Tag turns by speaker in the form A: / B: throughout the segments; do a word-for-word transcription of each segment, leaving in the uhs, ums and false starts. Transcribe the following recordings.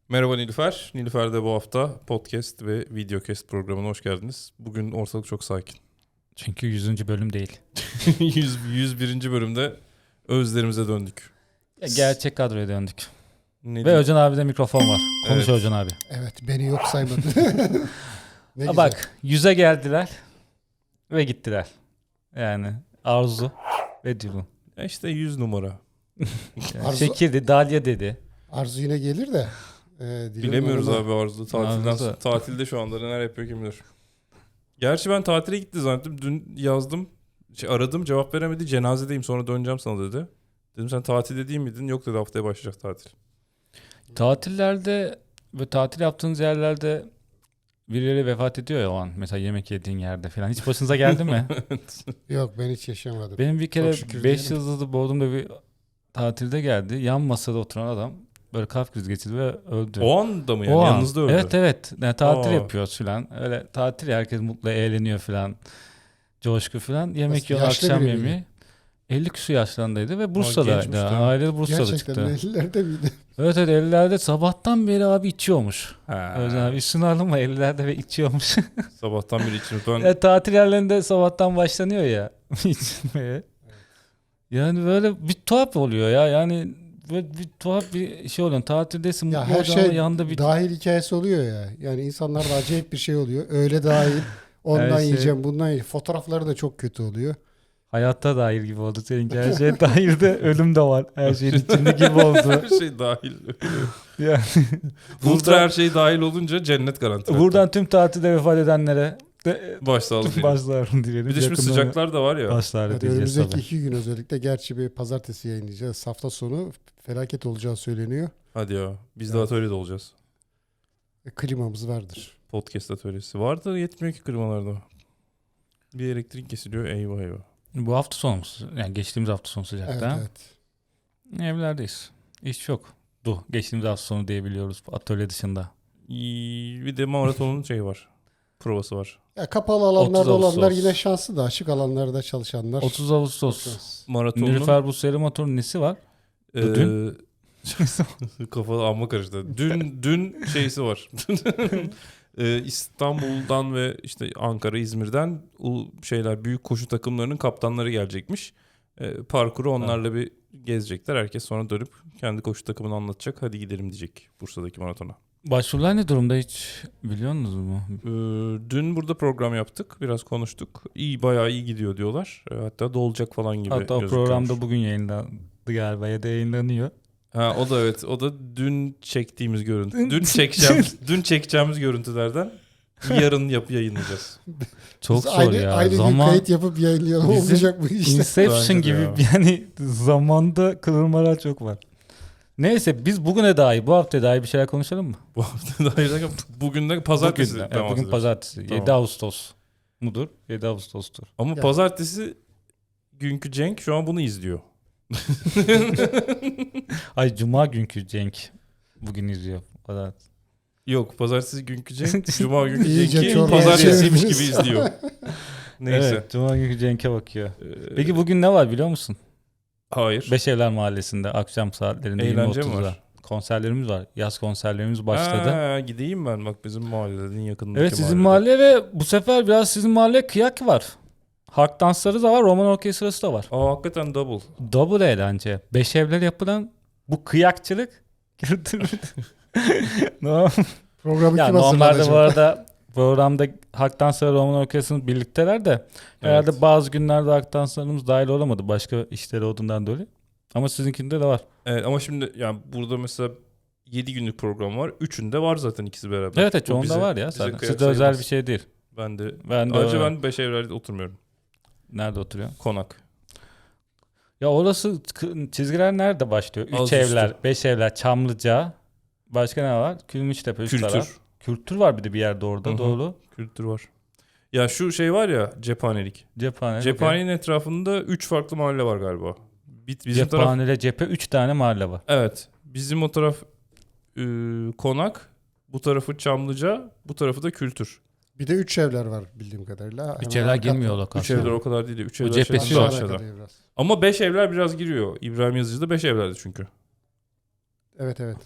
A: Merhaba Nilüfer. Nilüfer'de bu hafta podcast ve videocast programına hoş geldiniz. Bugün ortalık çok sakin.
B: Çünkü yüzüncü bölüm değil.
A: yüz, yüz birinci bölümde özlerimize döndük.
B: Ya gerçek kadroya döndük.
A: Ne
B: Ve
A: diyeyim?
B: Özcan abi de mikrofon var. Konuş
A: Evet.
B: Özcan abi.
C: Evet, beni yok saymadı. Ne
B: Ha
C: güzel.
B: bak, yüze geldiler ve gittiler. Yani Arzu ve Dilun.
A: Ya işte yüz numara.
B: Yani
C: Arzu-
B: Şekildi, Dalya dedi.
C: Arzu yine gelir de. E, Dilek
A: Bilemiyoruz
C: Hanım'a-
A: abi Arzu. Tatilden,
B: Arzu.
A: tatilde şu anda neler yapıyor kim bilir. Gerçi ben tatile gitti zannettim. Dün yazdım. Şey, aradım cevap veremedi. Cenazedeyim sonra döneceğim sana dedi. Dedim sen tatilde değil miydin? Yok dedi haftaya başlayacak tatil.
B: Tatillerde ve tatil yaptığınız yerlerde birileri vefat ediyor ya o an. Mesela yemek yediğin yerde falan. Hiç başınıza geldi mi?
C: Yok, ben hiç yaşamadım.
B: Benim bir kere
C: şükür
B: beş
C: diyelim.
B: yıldızlı Bodrum'da bir tatilde geldi. Yan masada oturan adam böyle kalp krizi geçirdi ve öldü.
A: O anda mı yani?
B: O an.
A: Yanınızda öldü.
B: Evet evet. Yani tatil
A: Aa.
B: yapıyoruz filan. Öyle tatil ya, herkes mutlu eğleniyor filan. Coşku filan. Yemek
C: Nasıl,
B: yiyor
C: yaşlı
B: akşam
C: biri
B: yemeği.
C: miydi?
B: elli küsur yaşlarındaydı ve
A: gençmiş
B: Bursa'daydı.
A: değil mi?
B: Aile Bursa'da
C: Gerçekten
B: çıktı.
C: ellilerde miydi?
B: Evet evet, ellilerde sabahtan beri abi içiyormuş.
A: Ha.
B: Özcan abi üstüne alınma, ellilerde ve içiyormuş.
A: Sabahtan beri içim. Ben
B: Ya, tatil yerlerinde sabahtan başlanıyor ya içmeye. Yani böyle bir tuhaf oluyor ya. Yani böyle bir tuhaf bir şey oluyor. Tatildesin,
C: Ya
B: mutlu
C: her
B: olacaksın ama
C: şey
B: yanında bir
C: dahil hikayesi oluyor ya. Yani insanlarda acayip bir şey oluyor. Öyle dahil. Ondan
B: Her şey-
C: yiyeceğim, bundan yiyeceğim. Fotoğrafları da çok kötü oluyor.
B: hayatta dahil gibi oldu seninki. Her şey dahil de ölüm de var. Her şeyin içinde gibi oldu.
A: her şey dahil.
B: Yani
A: Ultra her şey dahil olunca cennet garanti.
B: buradan tüm tatilde vefat edenlere de
A: Başsağlığı dilerim.
B: başlarını dilerim.
A: Bir de şimdi
B: Yakınlarına
A: sıcaklar da var ya.
B: başlar
C: Evet,
B: diyeceğiz
C: önümüzdeki
B: tabii.
C: iki gün özellikle, gerçi bir pazartesi yayınlayacağız. Hafta sonu felaket olacağı söyleniyor.
A: Hadi ya. Biz de
C: Evet.
A: atölyede olacağız.
C: E, klimamız vardır.
A: Podcast atölyesi. Vardı yetmiyor ki klimalarda. Bir elektrik kesiliyor. Eyvah eyvah.
B: Bu hafta sonu mu? Yani geçtiğimiz hafta sonu
C: Evet,
B: sıcakta.
C: evet.
B: Evlerdeyiz. İş yok. Du. Geçtiğimiz hafta sonu diyebiliyoruz atölye dışında.
A: İyi, bir de maratonun şeyi var. Provası var.
C: Ya kapalı alanlarda
B: otuz Ağustos.
C: olanlar yine şanslı da, açık alanlarda çalışanlar.
B: otuz Ağustos.
C: Şans.
A: Maratonun
B: Nilüfer bu seri motorun nesi var?
A: eee,
B: Dün?
A: kafa amma karıştı. Dün dün şeysi var. Eee, İstanbul'dan ve işte Ankara, İzmir'den o şeyler büyük koşu takımlarının kaptanları gelecekmiş. Eee, parkuru onlarla bir gezecekler. Herkes sonra dönüp kendi koşu takımını anlatacak. Hadi gidelim diyecek Bursa'daki maratona.
B: Başvurular ne durumda, hiç biliyor musunuz mu?
A: Ee, dün burada program yaptık. Biraz konuştuk. İyi, bayağı iyi gidiyor diyorlar. Ee, hatta dolacak falan gibi
B: Hatta o
A: gözüküyormuş.
B: programda bugün yayınlandı galiba ya da yayınlanıyor.
A: Ha, o da evet. O da dün çektiğimiz görüntü. Dün çekeceğimiz, dün çekeceğimiz görüntülerden yarın yap yayınlayacağız.
B: Çok
C: Biz
B: zor
C: aynı,
B: ya.
C: Aynı gün
B: Zaman
C: kayıt yapıp yayınlayalım,
B: Bizim
C: olmayacak bu işte.
B: Inception
A: Bence de
B: gibi
A: ya.
B: yani zamanda kırılmalar çok var. Neyse, biz bugüne dair, bu hafta dair bir şeyler konuşalım mı?
A: Bu hafta da hayır, bugün de pazartesi.
B: Bugün, de, evet,
A: devam
B: bugün
A: ediyoruz.
B: pazartesi.
A: Tamam.
B: yedi Ağustos mudur? yedi Ağustos'tur.
A: Ama
C: Ya.
A: pazartesi günkü Cenk şu an bunu izliyor.
B: Ay, cuma günkü Cenk bugün izliyor. Pazartesi.
A: Yok, pazartesi günkü Cenk, cuma günkü
C: İyice
A: Cenk'i
C: çorbaya
A: pazartesiymiş
C: çevirmiş.
A: gibi izliyor. Neyse.
B: Evet, cuma günkü Cenk'e bakıyor.
A: Ee,
B: Peki bugün ne var biliyor musun?
A: hayır.
B: Beşevler Mahallesi'nde akşam saatlerinde
A: Eğlence
B: yirmi
A: mi
B: otuzda
A: var?
B: konserlerimiz var. Yaz konserlerimiz başladı.
A: Ha, gideyim ben bak bizim mahallelerin yakınındaki
B: Evet, sizin
A: mahallede.
B: mahalle ve bu sefer biraz sizin mahalle kıyak var. Halk dansları da var, roman orkestrası da var.
A: Aa, hakikaten double.
B: Double eğlence. Beşevler yapılan bu kıyakçılık kültürü. No.
C: Programı
B: Ya
C: kim
B: normalde
C: hazırlanacak?
B: bu arada programda halk dansları roman orkestrası birlikteler de herhalde
A: Evet.
B: bazı günlerde halk danslarımız dahil olamadı başka işleri olduğundan dolayı. Ama sizinkinde de var.
A: Evet, ama şimdi yani burada mesela yedi günlük program var. Üçünde var zaten ikisi beraber.
B: Evet evet,
A: Bu
B: çoğunda
A: bize-
B: var ya
A: bize
B: zaten.
A: kıyak
B: Sizde özel
A: sayılmaz.
B: bir şey değil.
A: Ben de
B: Ben de
A: ayrıca
B: öyle.
A: ben Beşevler'de oturmuyorum.
B: Nerede oturuyor?
A: Konak.
B: Ya orası k- çizgiler nerede başlıyor? Üç
A: Az
B: evler,
A: üstü.
B: beş evler, Çamlıca. Başka ne var? Külmüçtepe, üst
A: Kültür.
B: taraf. Kültür var bir de bir yerde orada,
A: Hı hı.
B: doğru.
A: Kültür var. Ya şu şey var ya, cephanelik.
B: Cephane.
A: Cephanenin etrafında üç farklı mahalle var galiba. Bir- Bizim taraf,
B: Cephanele cephe üç tane mahalle var.
A: evet. Bizim o taraf ıı, Konak, bu tarafı Çamlıca, bu tarafı da Kültür.
C: Bir de üç evler var bildiğim kadarıyla.
B: Üç
C: Hemen
B: evler
C: arka-
B: girmiyor
A: Üç
B: lokasyona.
A: evler o kadar değil. Üç
B: O
A: evler
B: cephesi
A: şey-
B: yok.
C: Aşağıda
A: aşağıda.
C: kalıyor biraz.
A: Ama beş evler biraz giriyor. İbrahim Yazıcı'da beş evlerdi çünkü.
C: Evet evet.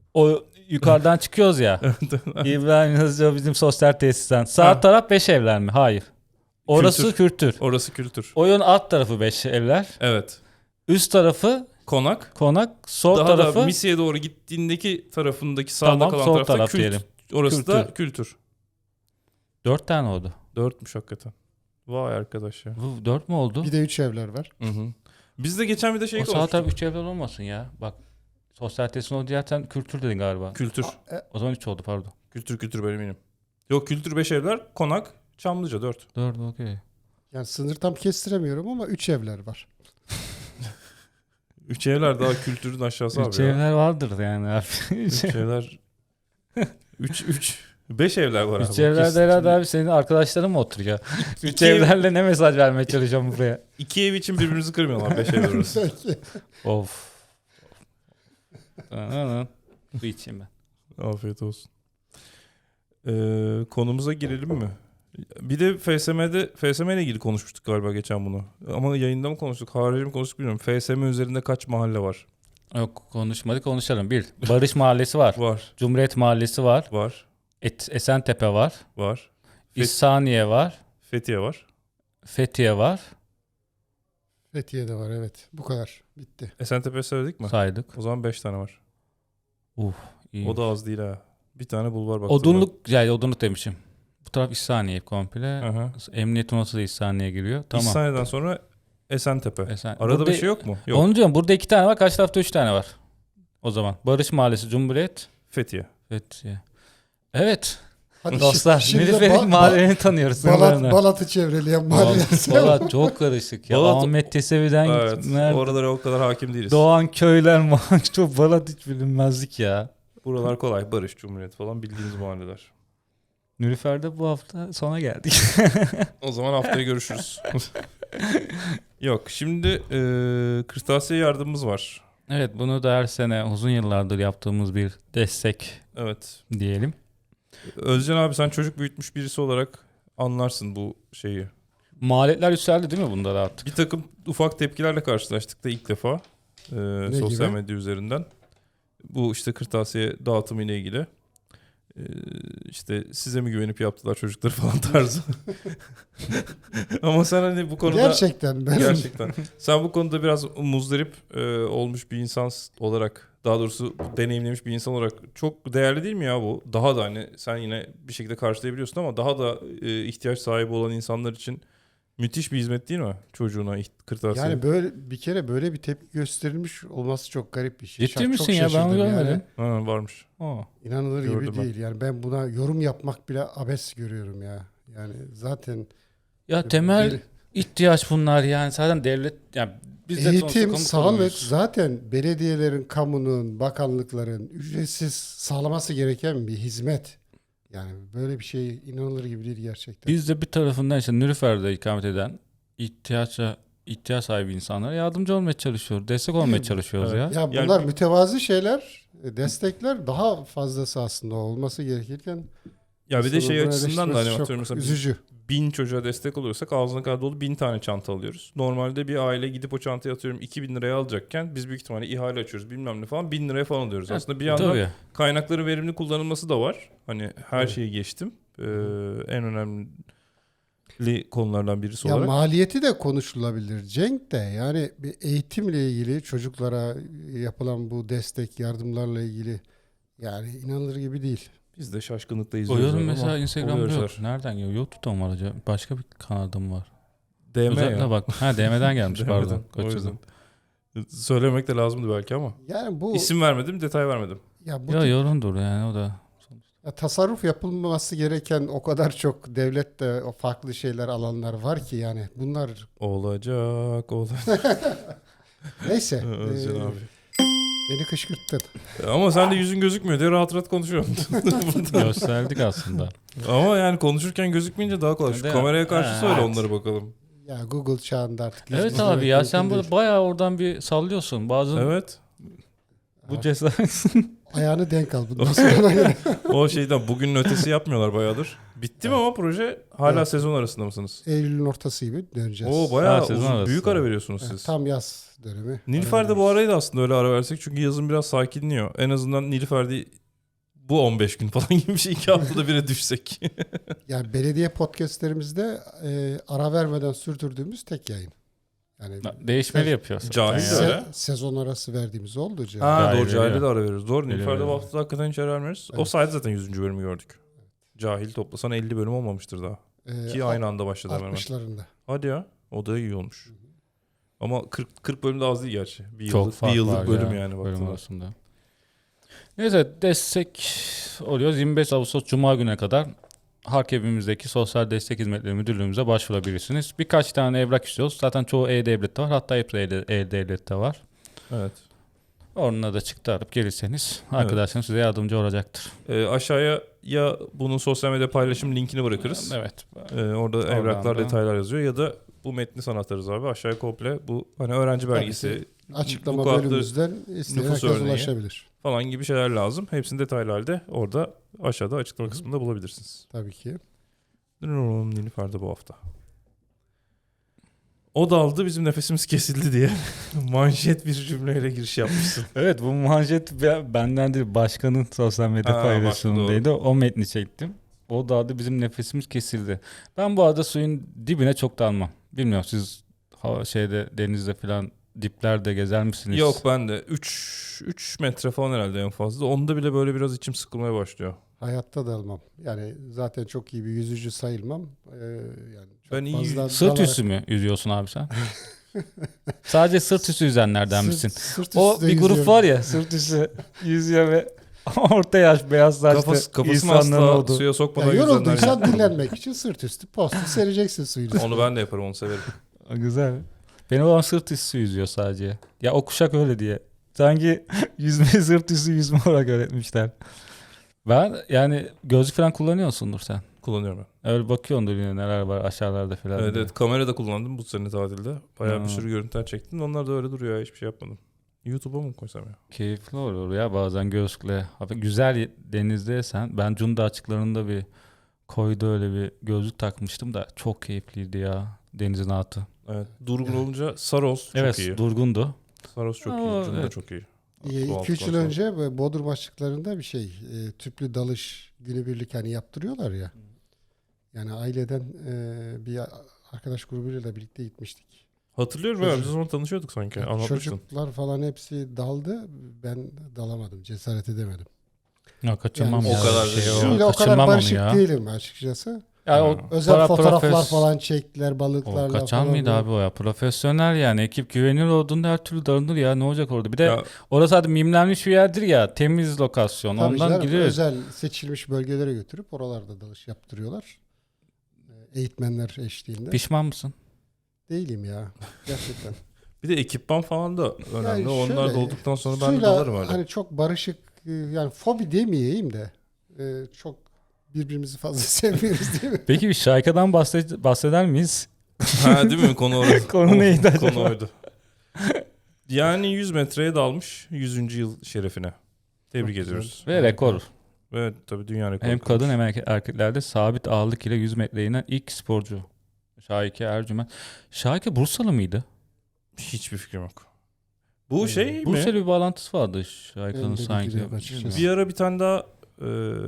B: O yukarıdan çıkıyoruz ya. İbrahim Yazıcı bizim sosyal tesisten. Sağ
A: Ha.
B: taraf beş evler mi? Hayır. Orası kültür.
A: Orası kültür.
B: Oyun alt tarafı beş evler.
A: Evet.
B: Üst tarafı
A: Konak.
B: konak. Sol
A: Daha
B: tarafı
A: da Misya'ya doğru gittiğindeki tarafındaki sağda
B: Tamam,
A: kalan
B: sol
A: tarafta
B: taraf
A: kült.
B: diyelim.
A: Orası
B: Kültür.
A: da kültür.
B: dört tane oldu.
A: Dörtmüş hakikaten. Vay arkadaş ya.
B: Bu dört mü oldu?
C: Bir de üç evler var.
A: Hı hı. Biz de geçen bir de şey
B: O sağ
A: konuştuk.
B: taraf üç evler olmasın ya. Bak sosyal tesisin o diğer sen kültür dedin galiba.
A: Kültür.
B: O zaman üç oldu pardon.
A: Kültür kültür ben eminim. Yok kültür beş evler, konak, Çamlıca dört.
B: dört okey.
C: Yani sınır tam kestiremiyorum ama üç evler var.
A: Üç evler daha kültürün aşağısı abi
B: Üç
A: ya.
B: evler vardır yani abi.
A: Üç evler. Üç, üç. Beş evler var abi.
B: Üç evlerde
A: Kesin.
B: herhalde abi senin arkadaşların mı oturuyor? Üç
A: İki ev-
B: evlerle ne mesaj vermeye çalışacağım buraya?
A: İki ev için birbirimizi kırmıyorlar. Beş evler orası.
C: Belki.
B: Of. Bu içeyim ben.
A: Afiyet olsun. Ee, konumuza girelim mi? Bir de F S M'de F S M ile ilgili konuşmuştuk galiba geçen bunu. Ama yayında mı konuştuk, harici mi konuştuk bilmiyorum. F S M üzerinde kaç mahalle var?
B: Yok konuşmadık konuşalım. Bir, Barış Mahallesi var.
A: Var,
B: Cumhuriyet Mahallesi var.
A: var,
B: Et, Esentepe var.
A: var. Fet-
B: İhsaniye var.
A: Fethiye var.
B: Fethiye var.
C: Fethiye'de var evet. Bu kadar. Bitti.
A: Esentepe söyledik mi?
B: Saydık.
A: O zaman beş tane var.
B: Uf, iyi.
A: O da az değil ha. Bir tane bulvar baktım.
B: Odunluk, yani odunluk demişim. Bu taraf İhsaniye komple.
A: Aha.
B: Emniyet odası da İhsaniye giriyor. Tamam.
A: İhsaniye'den sonra Esentepe.
B: Esen-
A: Arada
B: Burada-
A: bir şey yok mu? Yok.
B: Onu diyorum. Burada iki tane var. Kaç tarafta üç tane var? O zaman. Barış Mahallesi, Cumhuriyet,
A: Fethiye.
B: Fethiye. Evet.
C: Hadi
B: Dostlar.
C: şimdi de
B: Nilüfer'in
C: Ba-
B: mahallelerini tanıyoruz.
C: Balat,
B: sınırlarını.
C: Balat'ı çevreleyen mahalleler.
B: Balat çok karışık ya.
A: Balat-
B: Ahmet Yesevi'den
A: Evet.
B: nerede?
A: Oralara o kadar hakim değiliz.
B: Doğan köyler mahalle çok Balat hiç bilinmezlik ya.
A: Buralar kolay. Barış, Cumhuriyet falan bildiğiniz mahalleler.
B: Nilüfer'de bu hafta sona geldik.
A: O zaman haftaya görüşürüz. Yok şimdi e, kırtasiye yardımımız var.
B: Evet bunu da her sene uzun yıllardır yaptığımız bir destek
A: Evet.
B: diyelim.
A: Özcan abi sen çocuk büyütmüş birisi olarak anlarsın bu şeyi.
B: Maliyetler yükseldi değil mi bunda da artık?
A: Bir takım ufak tepkilerle karşılaştık da ilk defa e, sosyal
C: gibi?
A: medya üzerinden. Bu işte kırtasiye dağıtımı ile ilgili. E, işte size mi güvenip yaptılar çocukları falan tarzı. Ama sen hani bu konuda...
C: Gerçekten ben
A: Gerçekten. Sen bu konuda biraz muzdarip e, olmuş bir insan olarak, daha doğrusu deneyimlemiş bir insan olarak çok değerli değil mi ya bu? Daha da hani sen yine bir şekilde karşılayabiliyorsun ama daha da e, ihtiyaç sahibi olan insanlar için müthiş bir hizmet değil mi? Çocuğuna iht- kırtasiye.
C: yani böyle bir kere böyle bir tepki gösterilmiş olması çok garip bir şey.
B: Ciddi
C: Şa-
B: misin
C: çok
B: ya ben
C: şaşırdım
B: onu
C: yani.
B: görmedim.
A: Ha, varmış.
B: Aa.
C: İnanılır
A: Gördüm
C: gibi
A: ben.
C: değil. Yani ben buna yorum yapmak bile abes görüyorum ya. Yani zaten
B: Ya temel
C: Bel-
B: ihtiyaç bunlar yani zaten devlet yani biz de sonuçta
C: eğitim,
B: kamu
C: sağlık
B: kurumuyuz.
C: zaten belediyelerin, kamunun, bakanlıkların ücretsiz sağlaması gereken bir hizmet. Yani böyle bir şey inanılır gibi değil gerçekten.
B: Biz de bir tarafından işte Nilüfer'de ikamet eden ihtiyaça ihtiyaç sahibi insanlara yardımcı olmaya çalışıyoruz. Destek olmaya
C: Değil mi?
B: çalışıyoruz
A: Evet.
B: ya.
C: Ya
A: Yani-
C: bunlar mütevazı şeyler, destekler daha fazlası aslında olması gerekirken.
A: Ya bir de şey
C: insanın bunu
A: açısından da hani
C: eleştirmesi
A: atıyorum
C: çok
A: mesela
C: üzücü.
A: bin çocuğa destek oluyorsak ağzına kadar dolu bin tane çanta alıyoruz. Normalde bir aile gidip o çantayı atıyorum iki bin liraya alacakken biz büyük ihtimalle ihale açıyoruz bilmem ne falan bin liraya falan alıyoruz. Aslında bir yandan
B: Tabii.
A: kaynakların verimli kullanılması da var. Hani her
C: Evet.
A: şeyi geçtim. Ee, en önemli konulardan birisi
C: Ya
A: olarak.
C: maliyeti de konuşulabilir Cenk de. Yani bir eğitimle ilgili çocuklara yapılan bu destek yardımlarla ilgili yani inanılır gibi değil.
A: Biz de şaşkınlıkla
B: O
A: izliyoruz.
B: yorum
A: ama
B: mesela Instagram'da
A: oluyoruz.
B: yok. Nereden geliyor? YouTube'da mı var acaba? Başka bir kanalda mı var?
A: D M
B: Özellikle
A: ya.
B: bak. Ha D M'den gelmiş
A: D M'den,
B: pardon.
A: o yüzden.
B: Kaçırdım.
A: Söylemek de lazımdı belki ama.
C: Yani bu
A: İsim vermedim, detay vermedim.
C: ya bu
B: Ya
C: tip-
B: yorumdur yani o da.
C: ya tasarruf yapılması gereken o kadar çok devlette o farklı şeyler alanlar var ki yani bunlar
A: Olacak, olacak.
C: neyse.
A: Özcan
C: e,
A: abi.
C: Beni kışkırttın.
A: Ama sen de yüzün gözükmüyor diye rahat rahat konuşuyorsun.
B: Gösterdik aslında.
A: Ama yani konuşurken gözükmeyince daha kolay. Şu
B: Değil mi?
A: kameraya karşı
B: Ha,
A: söyle
B: evet.
A: onları bakalım.
C: Ya Google çağında artık.
B: Evet
C: yüz
B: abi
C: yüze
B: ya
C: mümkün
B: sen
C: değil.
B: burada bayağı oradan bir sallıyorsun. Bazı
A: Evet.
B: bu cesaret.
C: Ayağını denk al. Bundan sonra
A: O şeyden bugünün ötesi yapmıyorlar bayağıdır. Bitti mi ama proje? Hala
C: Evet.
A: sezon arasında mısınız?
C: Eylül'ün ortası gibi döneceğiz.
A: Oo bayağı
B: Ha, sezon
A: uzun,
B: arası.
A: büyük ara veriyorsunuz
C: Evet,
A: siz.
C: tam yaz dönemi.
A: Nilüfer'de bu arayı da aslında öyle ara versek çünkü yazın biraz sakinliyor. En azından Nilüfer'de bu on beş gün falan gibi bir şey iki haftada bire düşsek.
C: Yani belediye podcastlerimizde e, ara vermeden sürdürdüğümüz tek yayın. Yani
B: Değişmeli
C: se-
B: yapıyorsun.
A: Cahil de
C: se-
A: öyle.
C: sezon arası verdiğimiz oldu. Cahil.
A: Ha
B: Cahil
A: doğru Cahil'e
B: veriyor.
A: de ara veriyoruz. Doğru
B: Veriyor,
A: Nilüfer'de bu
B: veriyor.
A: hafta hakikaten hiç ara vermiyoruz. O
C: Evet.
A: sayede zaten yüzüncü bölümü gördük. Cahil toplasan elli bölüm olmamıştır daha.
C: E,
A: Ki aynı anda başladı hemen hemen.
C: altmışlarında.
A: Hadi ya. O da iyi olmuş. Ama kırk, kırk bölüm de az değil gerçi. Bir
B: Çok
A: yıllık,
B: fark
A: bir yıllık
B: var
A: bölüm
B: ya,
A: yani.
B: bölüm
A: baktığında.
B: arasında. Neyse destek oluyoruz. yirmi beş Ağustos Cuma gününe kadar Harkevimizdeki Sosyal Destek Hizmetleri Müdürlüğümüze başvurabilirsiniz. Birkaç tane evrak istiyoruz. Zaten çoğu E-Devlet'te var. Hatta hepsi E- E-Devlet'te var.
A: Evet.
B: Onunla da çıktı arıp gelirseniz arkadaşlarım size yardımcı olacaktır.
A: Ee, aşağıya ya bunun sosyal medya paylaşım linkini bırakırız.
B: Evet.
A: Ee, orada evraklar,
B: da.
A: detaylar yazıyor ya da bu metni sana atarız abi. Aşağıya komple bu hani öğrenci
C: Tabii
A: belgesi,
C: Açıklama
A: vukuatlı
C: bölümümüzden isteyen
A: nüfus
C: herkes
A: örneği.
C: ulaşabilir.
A: falan gibi şeyler lazım. Hepsini detaylı halde orada aşağıda açıklama kısmında bulabilirsiniz.
C: Tabii ki.
A: Nilüfer'de bu hafta. O daldı bizim nefesimiz kesildi diye manşet bir cümleyle giriş yapmışsın.
B: Evet bu manşet be- benden değil başkanın sosyal medya
A: Ha,
B: paylaşımındaydı. O metni çektim. O dağda bizim nefesimiz kesildi. Ben bu arada suyun dibine çok dalmam. Bilmiyorum siz hava şeyde denizde falan diplerde gezer misiniz?
A: Yok ben de üç metre falan herhalde en fazla. Onda bile böyle biraz içim sıkılmaya başlıyor.
C: Hayatta da almam. Yani zaten çok iyi bir yüzücü sayılmam. Ee, yani çok
A: Ben iyi
C: fazla
B: Sırt
C: dalarak-
B: üstü mü yüzüyorsun abi sen? Sadece sırt üstü yüzenlerden
C: Sırt-
B: misin?
C: sırt
B: O
C: üstü
B: bir grup
C: yüzüyorum.
B: var ya sırt üstü yüzüyor ve orta yaş beyaz saçlı
A: Kafası, kafasını
B: insanların
A: asla
B: olduğu.
A: suya
C: Ya
A: sokmadan yüzenler.
C: yorulduysan dinlenmek için sırt üstü postu sereceksin suyun üstüne.
A: Onu ben de yaparım, onu severim.
B: Güzel. Benim babam sırt üstü yüzüyor sadece. Ya o kuşak öyle diye. Sanki yüzme sırt üstü yüzme olarak öğretmişler. Ben yani gözlük falan kullanıyorsundur sen.
A: Kullanıyorum ben.
B: Öyle bakıyordur yine neler var aşağılarda falan.
A: Evet,
B: diye.
A: evet, kamera da kullandım bu sene tatilde. Bayağı
B: Ha.
A: bir sürü görüntüler çektim. Onlar da öyle duruyor ya, hiçbir şey yapmadım. YouTube'a mı koysam ya?
B: Keyifli olur ya bazen gözlükle. Abi güzel denizdeysen ben Cunda açıklarında bir koyda öyle bir gözlük takmıştım da çok keyifliydi ya denizin altı.
A: Evet. Durgun olunca Saros çok
B: Evet
A: iyi.
B: durgundu.
A: Saros çok
B: Ama
A: iyi. Cunda
B: evet.
A: çok iyi.
C: iki üç yıl önce böyle Bodrum açıklarında bir şey e, tüplü dalış günübirlik hani yaptırıyorlar ya. Yani aileden e, bir arkadaş grubuyla da birlikte gitmiştik.
A: Hatırlıyorum ya,
C: Çocuk-
A: biz o zaman tanışıyorduk sanki.
C: Yani
A: Anlatmıştın.
C: çocuklar falan hepsi daldı. Ben dalamadım. Cesaret edemedim.
B: Ya kaçırmam
C: Yani
B: ya.
A: o kadar
B: şey,
A: da-
B: o,
C: Suyla o kadar
B: kaçırmam onu
C: barışık
B: ya.
C: değilim açıkçası.
B: Ya o
A: Ha.
C: Özel
B: para-
C: fotoğraflar
B: profes-
C: falan çektiler
B: O
C: balıklarla
B: kaçan
C: falan.
B: mıydı abi o ya? Profesyonel yani. Ekip güvenilir olduğunda her türlü darınır ya. Ne olacak orada? Bir de
A: Ya,
B: orası hadi mimlenmiş bir yerdir ya. Temiz lokasyon.
C: Tabii
B: Ondan
C: canım,
B: gideriz.
C: özel seçilmiş bölgelere götürüp oralarda dalış yaptırıyorlar. Ee, Eğitmenler eşliğinde.
B: Pişman mısın?
C: Değilim ya. Gerçekten.
A: bir de ekipman falan da önemli.
C: Yani
A: Onlar
C: şöyle,
A: da olduktan sonra ben de
C: suyla
A: dalarım öyle.
C: Hani çok barışık e, yani fobi demeyeyim de e, çok birbirimizi fazla sevmiyoruz değil mi?
B: Peki bir şarkıdan bahsed- bahseder miyiz?
A: Ha değil mi? Konu orası.
B: Konu neydi acaba?
A: Konu oydu. Yani yüz metreye dalmış yüzüncü yıl şerefine. Tebrik
C: Çok
A: ediyoruz.
B: Ve rekor.
A: Evet tabii dünya rekoru.
B: Hem
A: kırmış.
B: kadın hem erke- erkeklerde sabit ağırlık ile yüz metreye inen ilk sporcu. Şahike Ercüment. Şahike Bursalı mıydı?
A: Hiçbir fikrim yok. Bu
C: Hmm.
A: şey mi?
B: Bursa'yla bir bağlantısı vardı Şahike'nin
C: Benim de
B: sanki.
C: bilgim yok açıkçası.
A: Bir ara bir tane daha e,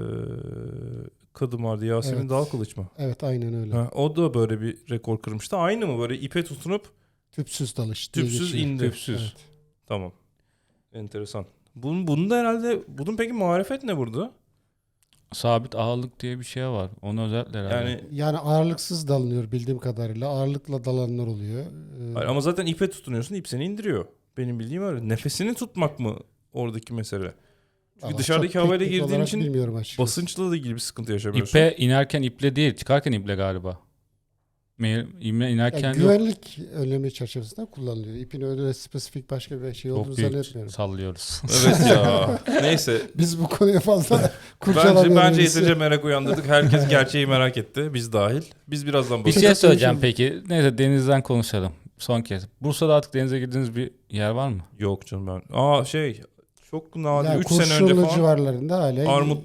A: kadın vardı. Yasemin
C: Evet.
A: Dalkılıç mı?
C: Evet aynen öyle.
A: Ha, o da böyle bir rekor kırmıştı. Aynı mı, böyle ipe tutunup
C: Tüpsüz dalış diye
A: tüpsüz
C: geçiyor.
A: indi.
B: Tüpsüz.
C: Evet.
A: Tamam. Enteresan. Bunun, bunun da herhalde, bunun peki marifet ne burada?
B: Sabit ağırlık diye bir şey var. Onu özellikle herhalde.
A: Yani
C: Yani ağırlıksız dalınıyor bildiğim kadarıyla. Ağırlıkla dalanlar oluyor. Ee,
A: hayır, ama zaten ipe tutunuyorsun, ip seni indiriyor. Benim bildiğim öyle. Nefesini tutmak mı oradaki mesele? Çünkü
C: vallahi
A: dışarıdaki
C: çok
A: havayla
C: teknik
A: girdiğin
C: olarak
A: için
C: bilmiyorum açıkçası.
A: basınçla da ilgili bir sıkıntı yaşamıyorsun.
B: İpe inerken iple değil, çıkarken iple galiba. Me- İme inerken
C: Yani
B: yok.
C: güvenlik önlemi çerçevesinde kullanılıyor. İpin öyle spesifik başka bir şey olduğunu
B: Çok büyük
C: zannetmiyorum.
B: sallıyoruz.
A: Evet ya. Neyse.
C: Biz bu konuya fazla
A: Bence,
C: kurcalamıyoruz.
A: bence yeterince merak uyandırdık. Herkes gerçeği merak etti. Biz dahil. Biz birazdan
B: Bir
A: bakacağız.
B: şey söyleyeceğim peki. Neyse denizden konuşalım. Son kez. Bursa'da artık denize girdiğiniz bir yer var mı?
A: Yok canım ben. Aa şey. Çok nadir.
C: Yani
A: üç sene önce
C: Kurşunlu
A: falan.
C: civarlarında hala
A: Armutlu.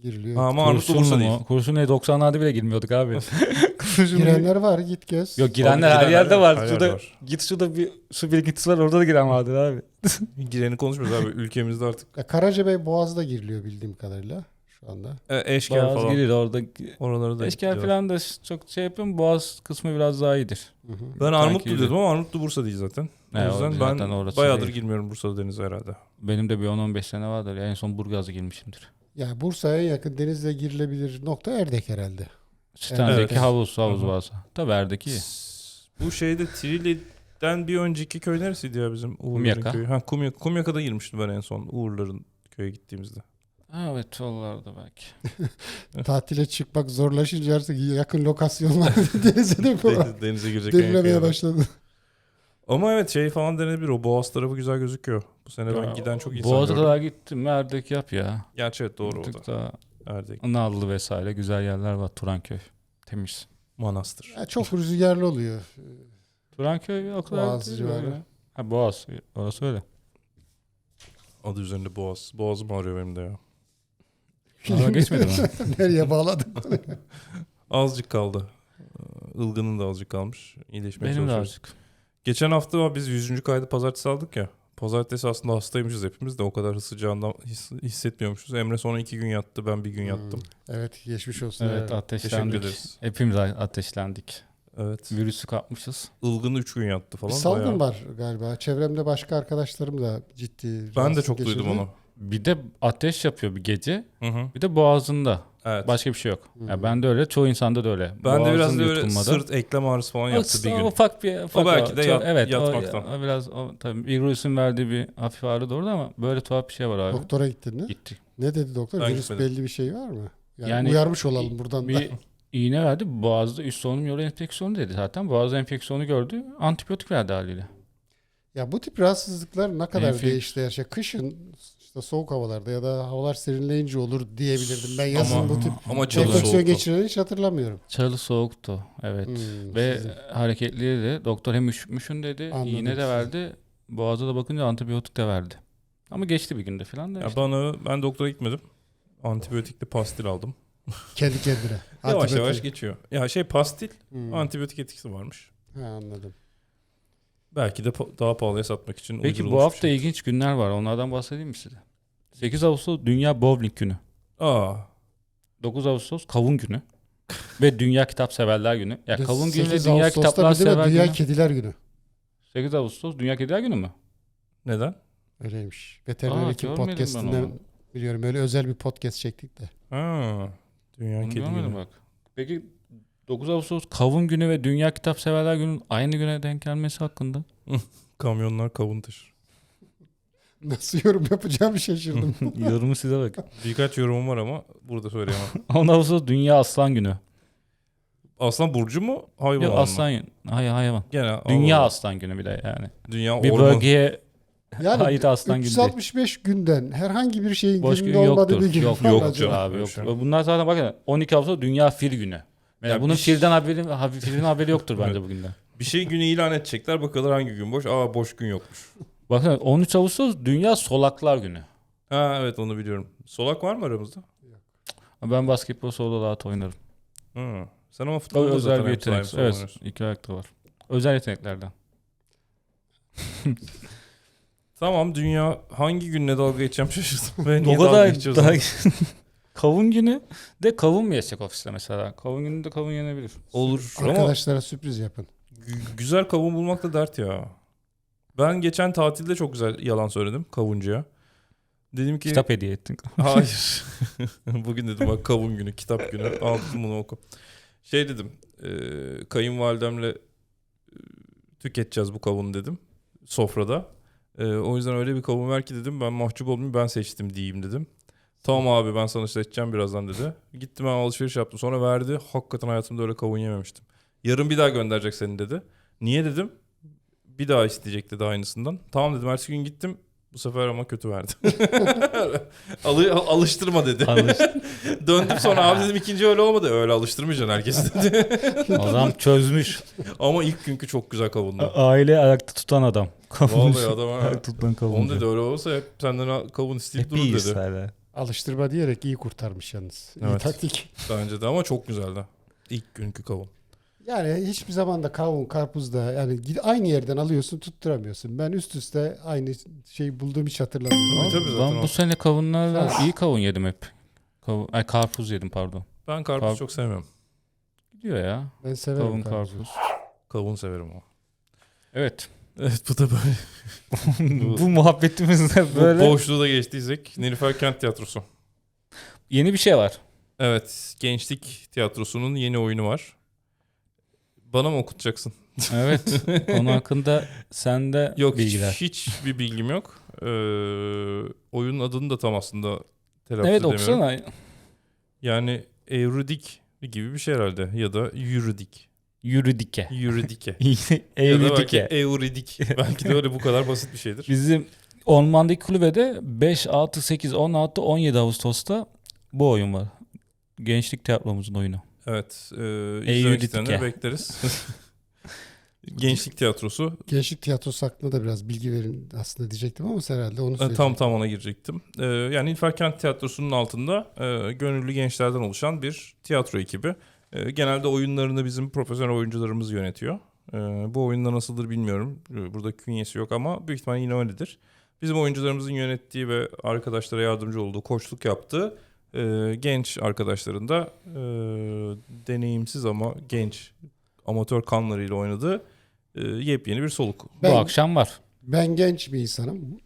C: giriliyor.
A: Ha, ama Armutlu
B: Kurşunlu
A: Bursa
B: mu?
A: değil.
B: Kurşunlu'ya doksanlarda bile girmiyorduk abi. Kurşunlu-
C: Girenler var, git gez.
B: Yok girenler
A: Abi,
B: her
A: girenler
B: yerde
A: var,
B: var.
A: her
B: Şurada
A: yerde var.
B: git şurada bir su birikintisi var, orada da giren vardır abi.
A: Gireni konuşmuyoruz abi. Ülkemizde artık
C: Ya Karacabey Boğaz'da giriliyor bildiğim kadarıyla şu anda.
A: e, eşkal
B: Boğaz
A: falan.
B: girir orada.
A: Oralara da
B: Eşkal
A: gidiyor.
B: falan da çok şey yapıyorum. Boğaz kısmı biraz daha iyidir.
C: Hı hı.
A: Ben Armutlu
B: Sanki-
A: diyordum ama Armutlu Bursa değil zaten.
B: Ne,
A: o yüzden
B: o zaten
A: ben
B: orası
A: bayağıdır
B: değil.
A: girmiyorum Bursa'da denize herhalde.
B: Benim de bir on on beş sene vardır. En son Burgaz'a girmişimdir.
C: Ya Bursa'ya en yakın denizle girilebilir nokta Erdek herhalde.
B: Sten'deki
A: Evet.
B: havuz havuz
A: Hı hı.
B: varsa. Tabii Erdek iyi.
A: Bu şeyde Trili'den bir önceki köy neresiydi ya bizim? Uğurların
B: Kumyaka.
A: köyü. Ha, Kumyaka. Kumyaka'da girmiştim ben en son Uğurların köye gittiğimizde.
B: Ha, evet oralarda belki.
C: Tatile çıkmak zorlaşınca artık yakın lokasyonlar denize de
A: Deniz- Denize girecek en yakın
C: denilemeye
A: yer.
C: başladı.
A: Ama evet şey falan denebilir. O Boğaz tarafı güzel gözüküyor. Bu sene ben
B: Ya,
A: giden çok insan
B: Boğaz'a
A: gördüm.
B: kadar gittim mi Erdek yap ya.
A: Gerçi evet doğru o
B: Bir tık
A: da.
B: daha
A: Erdek.
B: Nallı vesaire güzel yerler var. Turanköy. Temiz.
A: Manastır.
C: Ya çok rüzgarlı oluyor.
B: Turanköy o kadar
C: Boğaz
B: değil
C: civarı.
B: böyle. Ha Boğaz. Orası öyle.
A: Adı üzerinde Boğaz. Boğazım ağrıyor benim de ya.
B: Aa, geçmedi mi?
C: Nereye bağladık?
A: Azıcık kaldı. Ilgının da azıcık kalmış. İyileşmeye
B: Benim de
A: çalışıyoruz.
B: azıcık.
A: Geçen hafta biz yüzüncü kaydı pazartesi aldık ya. Pazartesi aslında hastaymışız hepimiz de o kadar sıcağından his- hissetmiyormuşuz. Emre sonra iki gün yattı, ben bir gün yattım.
C: Hmm. Evet geçmiş olsun.
B: Evet
C: Evet.
A: Teşekkür
B: ateşlendik.
A: ederiz.
B: Hepimiz ateşlendik.
A: Evet.
B: Virüsü kapmışız.
A: Ilgın üç gün yattı
C: Bir
A: falan.
C: salgın
A: bayağı.
C: var galiba. Çevremde başka arkadaşlarım da ciddi.
A: Ben de
C: rahatsızlık
A: çok duydum
C: geçirdi.
A: onu.
B: Bir de ateş yapıyor bir gece.
A: Hı hı.
B: Bir de boğazında.
A: Evet.
B: Başka bir şey yok.
C: Hmm.
B: Ya ben de öyle, çoğu insanda da öyle.
A: ben de biraz
B: Boğazın
A: da öyle
B: yutulmadı.
A: sırt eklem ağrısı falan yaptı bir
B: O
A: gün.
B: ufak bir ufak
A: belki de
B: Çok-
A: yat-
B: evet,
A: yatmaktan.
B: O, o biraz o, tabii virüsün verdiği bir hafif ağrı da orada ama böyle tuhaf bir şey var abi.
C: Doktora gittin mi?
B: Gitti.
C: Ne dedi doktor?
A: Ben
C: Virüs
A: gitmedim.
C: belli bir şey var mı? Yani,
B: Yani
C: uyarmış olalım buradan da.
B: Bir iğne verdi. Boğazda üst solunum yolu enfeksiyonu dedi zaten. Boğaz enfeksiyonu gördü. Antibiyotik verdi haliyle.
C: Ya bu tip rahatsızlıklar ne kadar
B: Enfek-
C: değişti her şey. Kışın işte soğuk havalarda ya da havalar serinleyince olur diyebilirdim. Ben yazın
A: Ama-
C: bu tip
A: ama çalı
C: enfeksiyon
A: soğuktu.
C: geçireni hiç hatırlamıyorum.
B: Çalı soğuktu. Evet.
C: Hmm,
B: Ve
C: sizin-
B: hareketliydi de. Doktor hem üşütmüşün dedi.
C: Anladım
B: İğne de
C: sizi.
B: verdi. Boğaza da bakınca antibiyotik de verdi. Ama geçti bir günde falan da
A: Ya
B: işte.
A: bana ben doktora gitmedim. Antibiyotikli pastil aldım.
C: kendi kendine.
A: Yavaş
C: Antibiyotik.
A: yavaş geçiyor. Ya şey pastil
C: Hmm.
A: antibiyotik etkisi varmış.
C: Ha, anladım.
A: Belki de pa- daha pahalıya satmak için
B: Peki
A: uydurulmuş
B: bu
A: bir
B: hafta
A: şey.
B: ilginç günler var. Onlardan bahsedeyim mi size? sekiz Ağustos Dünya Bowling Günü.
A: Aa,
B: dokuz Ağustos Kavun Günü. Ve Dünya Kitap Severler Günü. Ya
C: Bir de
B: Kavun Günü ve
C: sekiz
B: Dünya
C: Ağustos'ta
B: Kitaplar
C: bir de
B: Sever
C: Dünya
B: Günü.
C: Kediler Günü.
B: sekiz Ağustos Dünya Kediler Günü mü?
A: neden?
C: Öyleymiş. Veteriner
B: Aa,
C: Hekim
B: görmedim ben
C: Podcast'inden
B: onu.
C: biliyorum. Öyle özel bir podcast çektik de.
A: Ha, Dünya
B: Onu
A: Kedi
B: görmedim
A: Günü.
B: bak. Peki dokuz Ağustos Kavun Günü ve Dünya Kitap Severler Günü'nün aynı güne denk gelmesi hakkında.
A: Kamyonlar kavun taşır.
C: Nasıl yorum yapacağımı şaşırdım.
B: Yorumu size bak.
A: Birkaç yorumum var ama burada söyleyemem.
B: on Ağustos Dünya Aslan Günü.
A: Aslan burcu mu? Hayvan
B: Yok
A: mı?
B: aslan Hayır hayvan.
A: Gene
B: Dünya
A: Allah.
B: Aslan Günü bir de yani.
A: Dünya
B: Bir
A: orman.
B: bölgeye
C: Yani
B: ait aslan günü
C: üç yüz
B: değil.
C: altmış beş günden herhangi bir şeyin
B: Boş
C: gününde
B: gün
C: olmadığı
B: yoktur.
C: bir gün
B: Yok
C: var mı
A: yok
C: acaba?
A: canım.
B: Abi yok.
A: Şey.
B: Bunlar zaten bakın on iki Ağustos Dünya Fil Günü. Yani
A: Ya
B: bunun
A: bir-
B: filden haberi, habi- filin haberi yoktur bence bugünden.
A: Bir şey günü ilan edecekler. Bakalım hangi gün boş. Aa boş gün yokmuş.
B: Bakın on üç Ağustos Dünya Solaklar Günü.
A: Ha evet onu biliyorum. Solak var mı aramızda?
B: Ben basketbol solo rahat oynarım.
A: Hı. Sen ama
B: O
A: futbolda
B: özel
A: zaten
B: bir
A: hem sağ hem
B: yetenek.
A: sol
B: Evet,
A: oynuyorsun.
B: iki ayakta var. Özel yeteneklerden.
A: Tamam dünya hangi günle dalga geçeceğim şaşırdım. Ben niye
B: O
A: dalga
B: kadar
A: geçiyoruz?
B: daha... Kavun günü de kavun mu yesek ofiste mesela? Kavun günü de kavun yenebilir.
A: Olur ama
C: Arkadaşlara sürpriz yapın.
A: gü- güzel kavun bulmak da dert ya. Ben geçen tatilde çok güzel yalan söyledim kavuncuya. Dedim ki
B: Kitap hediye ettin.
A: hayır. Bugün dedim bak kavun günü, kitap günü. Aldım bunu oku. Şey dedim. E, kayınvalidemle e, tüketeceğiz bu kavunu dedim. Sofrada. E, o yüzden öyle bir kavun ver ki dedim. Ben mahcup olmayayım ben seçtim diyeyim dedim. Tamam abi ben sana seçeceğim birazdan dedi. Gittim ben alışveriş yaptım. Sonra verdi. Hakikaten hayatımda öyle kavun yememiştim. Yarın bir daha gönderecek seni dedi. Niye dedim. Bir daha isteyecek dedi aynısından. Tamam dedim. Ertesi gün gittim. Bu sefer ama kötü verdi. Alı, alıştırma dedi. Döndüm sonra abi dedim ikinci öyle olmadı. Öyle alıştırmayacaksın herkesi dedi.
B: Adam çözmüş.
A: Ama ilk günkü çok güzel kavundu.
B: Aile ayakta tutan adam.
A: Vallahi adam ha.
B: Ayakta tutan kavun.
A: Onu dedi öyle olsa hep senden kavun isteyip
B: Hep
A: durur
B: iyiyiz
A: dedi.
B: hala.
C: Alıştırma diyerek iyi kurtarmış yalnız. İyi
A: Evet.
C: taktik.
A: Bence de ama çok güzeldi. İlk günkü kavun.
C: Yani hiçbir zaman da kavun, karpuz da yani gid- aynı yerden alıyorsun tutturamıyorsun. Ben üst üste aynı şeyi bulduğum hiç hatırlamıyorum.
A: Tabii, tabii, zaten
B: Ben
A: o.
B: bu sene kavunlarla
C: Sen-
B: iyi kavun yedim hep. Kavun, ay karpuz yedim pardon.
A: Ben karpuz
B: Karp-
A: çok sevmiyorum.
B: Gidiyor ya.
C: Ben severim
B: Kavun
C: karpuzu.
B: karpuz.
A: Kavun severim ama.
B: Evet.
A: Evet, bu da böyle.
B: Bu muhabbetimizde
A: Bu
B: böyle
A: boşluğu da geçtiysek Nilüfer Kent Tiyatrosu.
B: yeni bir şey var.
A: Evet, Gençlik Tiyatrosu'nun yeni oyunu var. Bana mı okutacaksın?
B: Evet. Konu hakkında sende
A: Yok,
B: bilgiler.
A: hiç hiçbir bilgim yok. Ee, oyunun adını da tam aslında telaffuz
B: Evet
A: edemiyorum.
B: okusana.
A: Yani Euridik gibi bir şey herhalde ya da Yürüdik.
B: Yürüdike.
A: Yürüdike. ya da belki
B: Evrüdike.
A: Euridik. Belki de öyle bu kadar basit bir şeydir.
B: Bizim Ormandaki kulübede beş, altı, sekiz, on altı, on yedi Ağustos'ta bu oyun var. Gençlik tiyatromuzun oyunu.
A: Evet. E,
B: Euridik
A: izlemek isteyenleri
B: ya.
A: bekleriz. Gençlik Tiyatrosu.
C: Gençlik tiyatrosu hakkında da biraz bilgi verin aslında diyecektim ama herhalde onu
A: E,
C: söyleyecektim.
A: Tam tam ona girecektim. E, yani Nilüfer Kent Tiyatrosu'nun altında e, gönüllü gençlerden oluşan bir tiyatro ekibi. E, genelde oyunlarını bizim profesyonel oyuncularımız yönetiyor. E, bu oyunda nasıldır bilmiyorum. E, burada künyesi yok ama büyük ihtimalle yine öyledir. Bizim oyuncularımızın yönettiği ve arkadaşlara yardımcı olduğu, koçluk yaptığı e, genç arkadaşların da e, deneyimsiz ama genç amatör kanlarıyla oynadığı e, yepyeni bir soluk.
C: Ben-
B: Bu akşam var.
C: Ben genç bir insanım.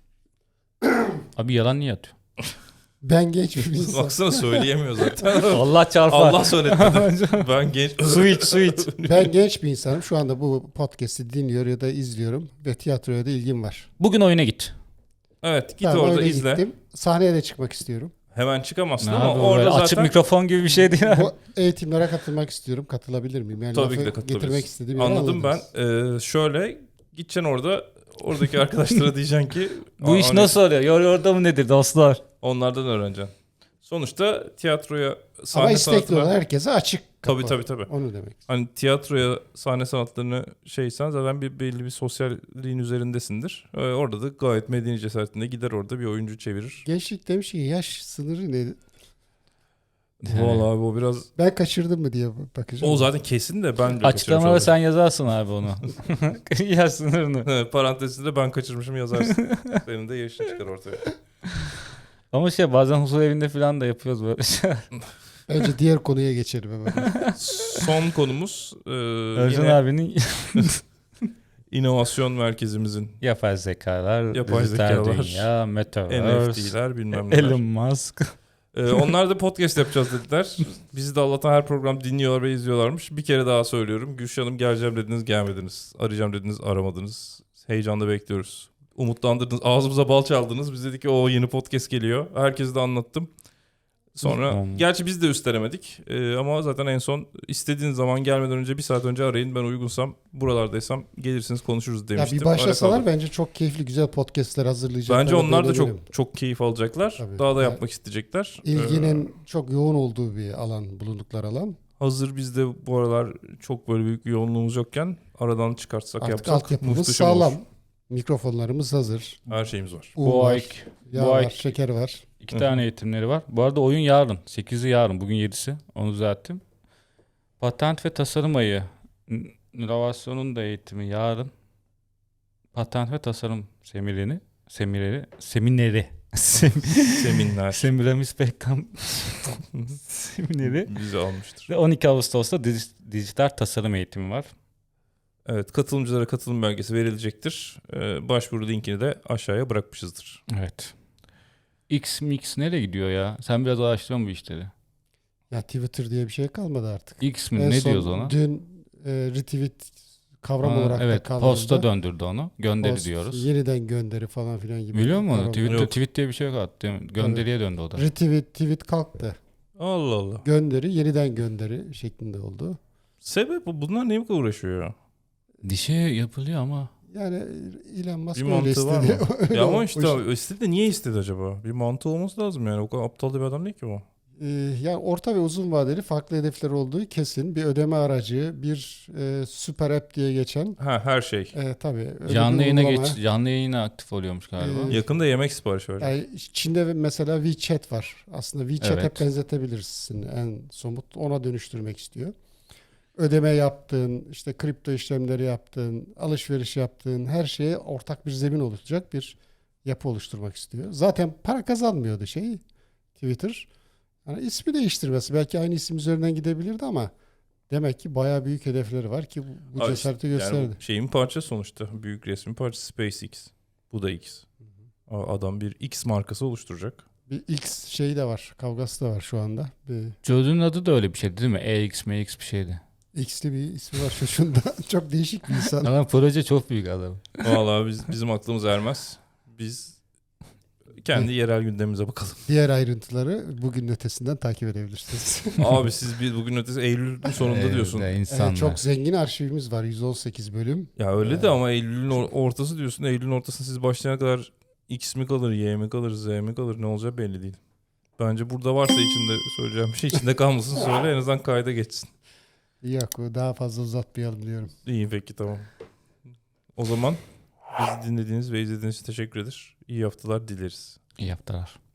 B: Abi yalan niye atıyor?
C: Ben genç bir insanım.
A: Baksana söyleyemiyor zaten.
B: Allah çarpar.
A: Allah söyletmedi. Ben genç.
B: Su iç su iç.
C: Ben genç bir insanım. Şu anda bu podcast'i dinliyor ya da izliyorum ve tiyatroya da ilgim var.
B: Bugün oyuna git.
A: Evet, git
C: Ben
A: orada
C: oyuna
A: izle.
C: gittim. Sahneye de çıkmak istiyorum.
A: Hemen çıkamazsın
B: Ne
A: ama
B: abi,
A: orada
B: böyle
A: zaten
B: açık mikrofon gibi bir şey değil.
C: Bu eğitimlere katılmak istiyorum. Katılabilir miyim? Yani
A: tabii ki de
C: lafı
A: katılabilirsin.
C: getirmek istediğim yeri
A: Anladım ben.
C: anladınız.
A: Ee, şöyle gideceksin orada oradaki arkadaşlara diyeceksin ki
B: Bu iş
A: "Aa,
B: nasıl oluyor? Yor orada mı nedir dostlar?
A: onlardan öğreneceksin. Sonuçta tiyatroya
C: Ama
A: sahne
C: istekli olan
A: sanatına
C: herkese açık kapı.
A: tabii tabii tabii.
C: Onu demek.
A: Hani tiyatroya sahne sanatlarını şeysen zaten bir belli bir sosyalliğin üzerindesindir. Ee, orada da gayet medeni cesaretinde gider orada bir oyuncu çevirir.
C: Gençlik demiş ki yaş sınırı ne?
A: Vallahi abi o biraz
C: Ben kaçırdım mı diye bakacağım.
A: o zaten kesin de ben de
B: Açıklamada
A: kaçırmış
B: sen yazarsın abi onu. Yaş sınırını.
A: olabilirim. Parantezinde ben kaçırmışım yazarsın. Senin de yaşın çıkar ortaya.
B: Ama şey bazen huzur evinde falan da yapıyoruz böyle şeyler.
C: Bence diğer konuya geçelim hemen.
A: Son konumuz e,
B: Özcan
A: yine
B: abinin
A: inovasyon merkezimizin
B: yapay zekalar,
A: Yapay
B: dijital
A: zekalar,
B: dünya,
A: N F
B: Metaverse,
A: T'ler bilmem neler.
B: Elon Musk.
A: E, onlar da podcast yapacağız dediler. Bizi de Allah'tan her program dinliyorlar ve izliyorlarmış. Bir kere daha söylüyorum. Gülşah Hanım geleceğim dediniz gelmediniz. Arayacağım dediniz aramadınız. Heyecanla bekliyoruz. Umutlandırdınız. Ağzımıza bal çaldınız. Biz dedik ki o yeni podcast geliyor. Herkese de anlattım. Sonra
B: Hmm.
A: gerçi biz de üstelemedik Ee, ama zaten en son istediğiniz zaman gelmeden önce bir saat önce arayın, ben uygunsam buralardaysam gelirsiniz konuşuruz
C: Ya
A: demiştim.
C: bir başlasalar
A: Arada kaldı.
C: bence çok keyifli güzel podcastler hazırlayacaklar.
A: Bence onlar da
C: eminim.
A: çok çok keyif alacaklar.
C: Tabii.
A: Daha da
C: Ya,
A: yapmak isteyecekler. Ee,
C: İlginin çok yoğun olduğu bir alan, bulundukları alan.
A: hazır bizde bu aralar çok böyle büyük bir yoğunluğumuz yokken aradan çıkartsak
C: Artık
A: yapsak
C: altyapımız
A: muhteşem
C: sağlam.
A: olur.
C: Mikrofonlarımız hazır.
A: Her şeyimiz var.
C: Un
B: Bu
C: var,
B: ay
C: yağ
B: bu
C: var,
B: ay-
C: şeker var.
B: iki
A: Hı hı.
B: tane eğitimleri var. Bu arada oyun yarın. sekizi yarın. Bugün yedisi. Onu düzelttim. Patent ve tasarım ayı. N- İnovasyonun da eğitimi yarın. Patent ve tasarım seminerini. Semineri. Semineri. Sem-
A: Seminler
B: Semiramis Pekkan semineri.
A: bizi almıştır.
B: Ve on iki Ağustos'ta dij- dijital tasarım eğitimi var.
A: Evet, katılımcılara katılım belgesi verilecektir. Ee, başvuru linkini de aşağıya bırakmışızdır.
B: Evet. X Mix nereye gidiyor ya? Sen biraz araştırıyor musun bu işleri?
C: Ya Twitter diye bir şey kalmadı artık.
B: X mi?
C: En
B: Ne
C: son
B: diyoruz ona?
C: Dün e, retweet kavram
B: Ha,
C: olarak da
B: evet,
C: kavramda.
B: posta döndürdü onu. Gönderi
C: Post,
B: diyoruz.
C: Yeniden gönderi falan filan gibi.
B: Biliyor musun onu?
C: kavram.
B: Tweet,
A: Yok.
B: tweet diye bir şey yok hatta. Gönderiye döndü o da.
C: Retweet, tweet kalktı.
A: Allah Allah.
C: Gönderi, yeniden gönderi şeklinde oldu.
A: Sebep bu. Bunlar neye uğraşıyor ya?
B: Dişe yapılıyor ama.
C: Yani Elon Musk
A: Bir
C: öyle
A: mantığı var
C: istedi.
A: mı?
C: Öyle
A: Ya ama
C: olmuş.
A: işte istedi de niye istedi acaba? Bir mantığı olması lazım yani. O kadar aptal da bir adam değil ki o.
C: Ee, yani orta ve uzun vadeli farklı hedefler olduğu kesin. Bir ödeme aracı, bir e, süper app diye geçen.
A: Ha, her şey.
C: E, tabii. öyle
B: Canlı
C: bir
B: yayına
C: uygulama.
B: geç, canlı yayına aktif oluyormuş galiba.
C: Ee,
A: Yakında yemek siparişi verecek.
C: Yani Çin'de mesela WeChat var. Aslında WeChat
B: Evet.
C: hep benzetebilirsin. En somut ona dönüştürmek istiyor. Ödeme yaptığın, işte kripto işlemleri yaptığın, alışveriş yaptığın her şeye ortak bir zemin oluşturacak bir yapı oluşturmak istiyor. Zaten para kazanmıyordu şey Twitter. Yani ismi değiştirmesi belki aynı isim üzerinden gidebilirdi ama demek ki bayağı büyük hedefleri var ki bu, bu
A: Aa,
C: cesareti
A: işte,
C: gösterdi.
A: yani bu şeyin parçası sonuçta. Büyük resmin parçası SpaceX. Bu da X. Aa, Adam bir X markası oluşturacak.
C: Bir X şeyi de var, kavgası da var şu anda. Bir
B: Çocuğun adı da öyle bir şeydi değil mi? E X M X bir şeydi.
C: X'li bir ismi var çocuğunda. Çok değişik bir insan.
B: Ama proje çok büyük adam.
A: Vallahi biz, bizim aklımız ermez. Biz kendi yerel gündemimize bakalım.
C: Diğer ayrıntıları bugün ötesinden takip edebilirsiniz.
A: Abi siz bir bugün ötesi Eylül'ün sonunda
B: Ee,
A: diyorsun.
B: de insanlar.
C: Evet, çok zengin arşivimiz var. yüz on sekiz bölüm.
A: Ya öyle
C: Ee,
A: de ama Eylül'ün or- ortası diyorsun. Eylül'ün ortasında siz başlayana kadar X mi kalır, Y mi kalır, Z mi kalır ne olacağı belli değil. Bence burada varsa içinde söyleyeceğim bir şey içinde kalmasın söyle en azından kayda geçsin.
C: Yok, daha fazla uzatmayalım diyorum.
A: İyi peki tamam. O zaman bizi dinlediğiniz ve izlediğiniz için teşekkür ederiz. İyi haftalar dileriz.
B: İyi yaptılar.